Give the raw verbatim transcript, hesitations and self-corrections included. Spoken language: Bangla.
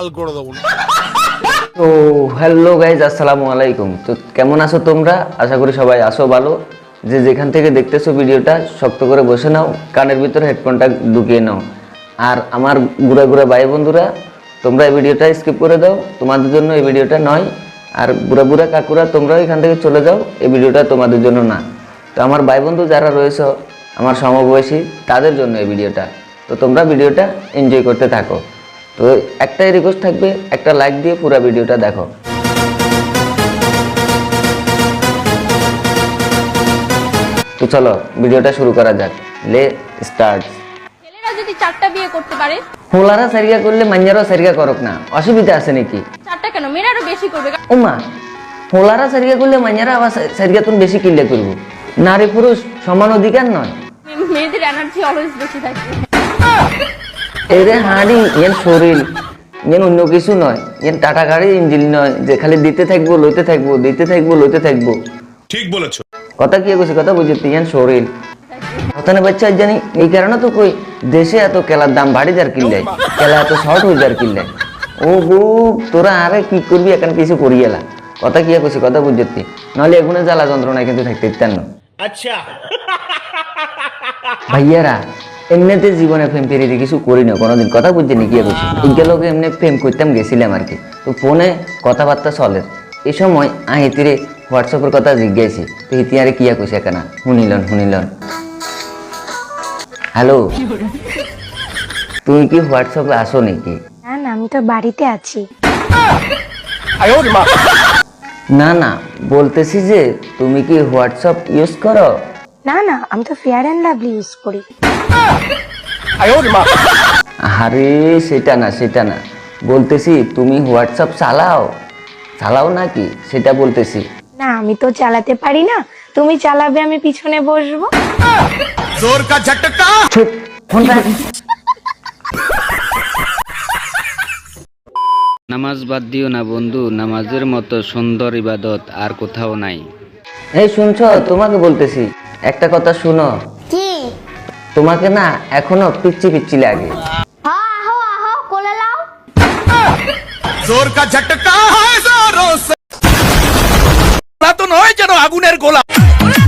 লাল করে দেবো। তো হ্যালো গাইজ, আসসালামু আলাইকুম। তো কেমন আছো তোমরা? আশা করি সবাই আছো ভালো। যে যেখান থেকে দেখতেছো ভিডিওটা শক্ত করে বসে নাও, কানের ভিতরে হেডফোনটা ঢুকিয়ে নাও। আর আমার গুড়া গুড়া ভাই বন্ধুরা, তোমরা এই ভিডিওটা স্কিপ করে দাও, তোমাদের জন্য এই ভিডিওটা নয়। আর বুড়া বুড়া কাকুরা, তোমরাও এখান থেকে চলে যাও, এই ভিডিওটা তোমাদের জন্য না। তো আমার ভাই বন্ধু যারা রয়েছে আমার সমবয়সী, তাদের জন্য এই ভিডিওটা। তো তোমরা ভিডিওটা এনজয় করতে থাকো। তো একটাই রিকোয়েস্ট থাকবে, একটা লাইক দিয়ে পুরো ভিডিওটা দেখো। তো চলো ভিডিওটা শুরু করা যাক। লে স্টার্ট। ছেলেরা যদি চারটা বিয়ে করতে পারে, হোলারা সারিয়া করলে মাইয়ারও সারিয়া করক না, অসুবিধা আছে নাকি? চারটা কেন, মেয়েরা আরো বেশি করবে। ওমা, হোলারা সারিয়া করলে মাইয়ারা আবার সারিয়া তুমি বেশি কিল্লে করবো। নারী পুরুষ সমান অধিকার নয়? মেয়েদের এনার্জি অলওয়েজ বেশি থাকে। এরে হাঁড়ি এর শরীর, এর অন্য কিছু নয়। এর টাটা গাড়ি ইঞ্জিন নয় যে খালি দিতে থাকবো লইতে থাকবো দিতে থাকবো লইতে থাকবো। ঠিক বলেছো। কথা কি কইছি, কথা বুঝতে ইয়ান শরীর কথা না বাচ্চা জানি। এই কারণে তো কই দেশে এত কেলার দাম বাড়ি যার কিনলে, কেলা এত শর্ট হয়ে যার কিনলে। ও গো, তোরা আরে কি করবি এখন কিছু করি এলা। কথা কি কইছি, কথা বুঝতে। নাহলে এগুলো জ্বালা যন্ত্রণায় কিন্তু থাকতে ইত্যান না। আচ্ছা ভাইয়ারা, এমনিতে জীবনে প্রেম পেরিয়ে কিছু করি না কোনোদিন, কথা বুঝছে নি কি করছি। ইগেলোকে এমনি প্রেম করতাম গেছিলাম আর কি। তো ফোনে কথাবার্তা চলে, এই সময় আ হিতিরে হোয়াটসঅ্যাপের কথা জিজ্ঞাসি। তো হিতি আরে কিয়া কইছে কেনা, শুনিলন শুনিলন। হ্যালো, তুই কি হোয়াটসঅ্যাপে আসো নাকি? না না, আমি তো বাড়িতে আছি। না না, বলতেছি যে তুমি কি হোয়াটসঅ্যাপ ইউজ করো? না না, আমি তো ফেয়ার অ্যান্ড লাভলি ইউজ করি। আরে সেটা না সেটা না, বলতেছি তুমি হোয়াটসঅ্যাপ চালাও চালাও নাকি সেটা বলতেছি। না, আমি তো চালাতে পারি না, তুমি চালাবে, আমি পিছনে বসবো। জোর কা ঝটকা। চুপ, ফোন রাখ। নামাজ বাদ দিও না বন্ধু, নামাজের মতো সুন্দর ইবাদত আর কোথাও নাই। এই শুনছো, তোমাকে বলতেছি একটা কথা শুনো। কি? তোমাকে না এখনো পিচ্ছি পিচ্ছি লাগে। হ্যাঁ, আহো আহো কোলে লাও। জোর কা ঝটকা হয় জোরো সে। না তো নয় যেন আগুনের গোলা।